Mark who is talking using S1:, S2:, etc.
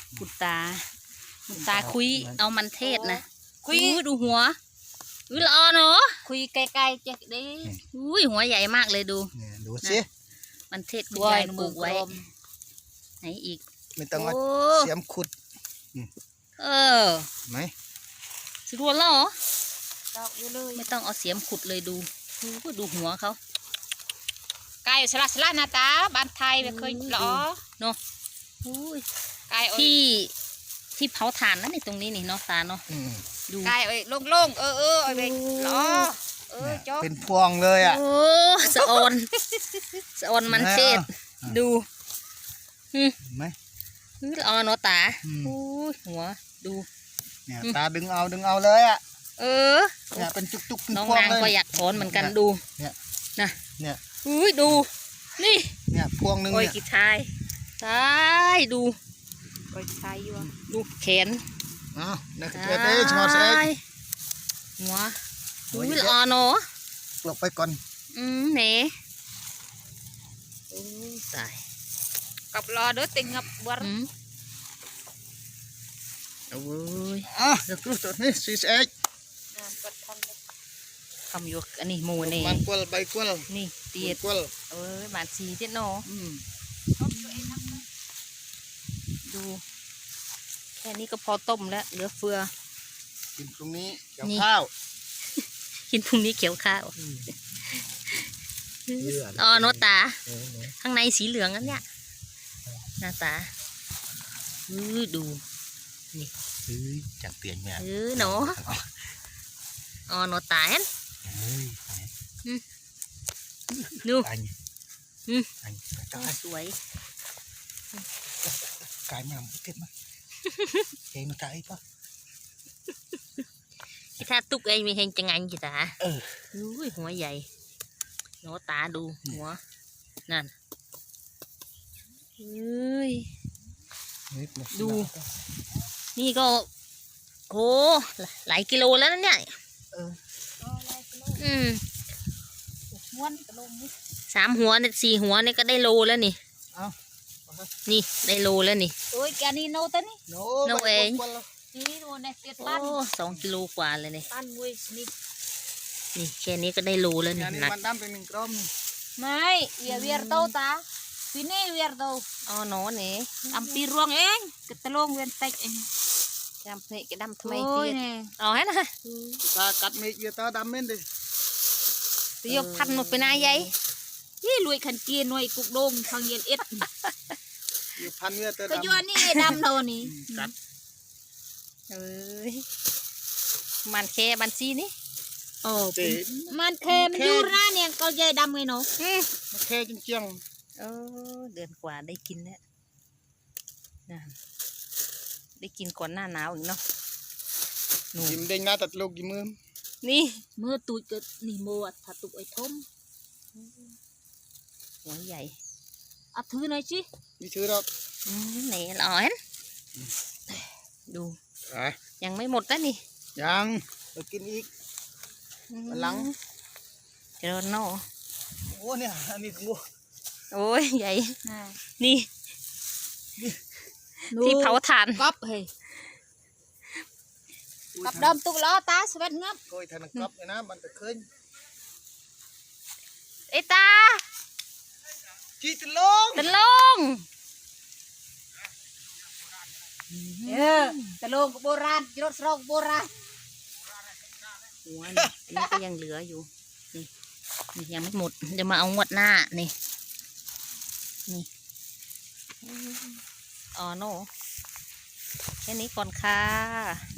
S1: คุณตาคุยเอามันเทศนะคุยดูหัวละออเนาะคุยไกลๆจะได้อุ้ยหัวใหญ่มากเลยดู
S2: ดูสิ
S1: มันเทศคุณยายปลูกไว้ไหนอีก
S2: ไม่ต้องเอาเสียมขุดไหม
S1: สิรัวแล้วเหรอไม่ต้องเอาเสียมขุดเลยดูหัวเขา
S3: ไก่สลัดนาตาบ้านไทยไม่เคยหรอ
S1: เนาะไก่ที่เผาถ่านนั่นนี่ตรงนี้นี่เนาะตาเนาะ
S3: ดูไก่โล่งๆเอาไปหรอ
S2: เป็นพวงเลยอ่ะ
S1: โอ้สะออนมันเทศดู
S2: ไหม
S1: ละออนเนาะตาหัวดู
S2: เนี่ยตาดึงเอาเลยอ่ะเนี่ยเป็นจุก
S1: น้องนางก็อยากถอนเหมือนกันดู
S2: เนี่ย
S1: เนี่ยดูนี่
S2: เนี่ยพวงหนึ่ง
S1: เนี่ยกีทายตายดู
S3: ก้อยทายอยู่
S1: ดูแขน
S2: นักเรียนชอตเอ็ก
S1: หัวละออนเนาะ
S2: หลบไปก่อน
S1: เน่ตาย
S3: กับรอเด้อติงงับบัว
S1: โอ้ย
S2: เดี๋ยวครูตัวนี้ซีเอ็ก
S1: ทำอยู่อันนี้หมูนี่
S2: มันกวลใบกวล
S1: นี่เตียด
S2: กวล
S1: บานสีเจ็ดเนาะดูแค่นี้ก็พอต้มแล้วเหลือเฟือ
S2: กินพรุ่งนี้เกี่ยวข้าว
S1: กินพรุ่งนี้เขียวข้าวโนตาข้างในสีเหลืองนั่นเนี่ยหน้าตาดูนี่
S2: จังเปลี่ยนแม่
S1: เนาะโนตาเห็นดูสวย
S2: กายมันเก็บมาเองมันกายปะ
S1: ถ้าตุกเองมีเฮงจังไงจีตาหัวใหญ่โนตาดูหัวนั่นดูนี่ก็โหหลายกิโลแล้วนั่นเนี่ย3 หัวเนี่ย4 หัวเนี่ยก็ได้โลแล้วนี่นี่ได้โลแล้วนี่
S3: โอ้ยแกนี่โนตันนี่
S1: โนเอง
S3: นี่โนเนี่ยเตียบ้าน
S1: 2 กิโลกว่าเลยนี่
S3: บ้านมวย
S1: นี่แค่นี้ก็ได้โลแล้วนี่
S2: หนักมันดำเป็น1 กรัม
S3: ไม่เวียร์โตตาปีนี้เวียร์โต
S1: โนนี่
S3: ดำปีรวงเองกระตลงเวียนเต็กเอง
S1: ดำเพะดำทำไมเตี้ยให้นะ
S2: ตากัดไม่เยอะตาดำเม่นดิ
S1: เตี้ยพันหมดไปนายยัย
S3: ยี่รวยขันเกียร์หน่วยกุกโดงทางเย็นเอ็ด
S2: พันเยอะแต่
S3: ก็ย้อนนี่ดำโดนี่
S2: กัด
S1: มันแค่บันซีนี่
S3: มันแค่มันอยู่ร้านเนี่ยก็ยัยดำไงเนาะ
S2: มันแค่จริง
S1: เดือนกว่าได้กินแล้วได้กินก่อนหน้าหนาวอีกเนาะ
S2: ยิ้มเด้งหน้าตัดลูกยิ้ม
S1: นี่
S3: เมื่อตุยก็นี่โมดถ้าตุยไอ้ทม
S1: หัวใหญ่
S3: ถือหน่อยสิ
S2: นี่ถือหรอก
S1: ไหนร้อนดูยังไม่หมดนะนี่
S2: ยังไปกินอีกหลัง
S1: เจอโน่
S2: โอ้เนี่ยอันนี้งู
S1: โอ้ยใหญ่นี่ที่เผาถ่าน
S3: ก๊อบเฮ้ยกับดมตุกล้อตาสเวทงับ
S2: ก้อยทานก๊อบเลยนะมันจะขึ้น
S1: ไอ้ตา
S2: จีตะลง
S1: ตะลง
S3: ตะลงโบราณรถสโลโบราณ
S1: หัวนี่ก็ยังเหลืออยู่นี่ยังไม่หมดเดี๋ยวมาเอางวดหน้านี่โน่แค่นี้ก่อนค่ะ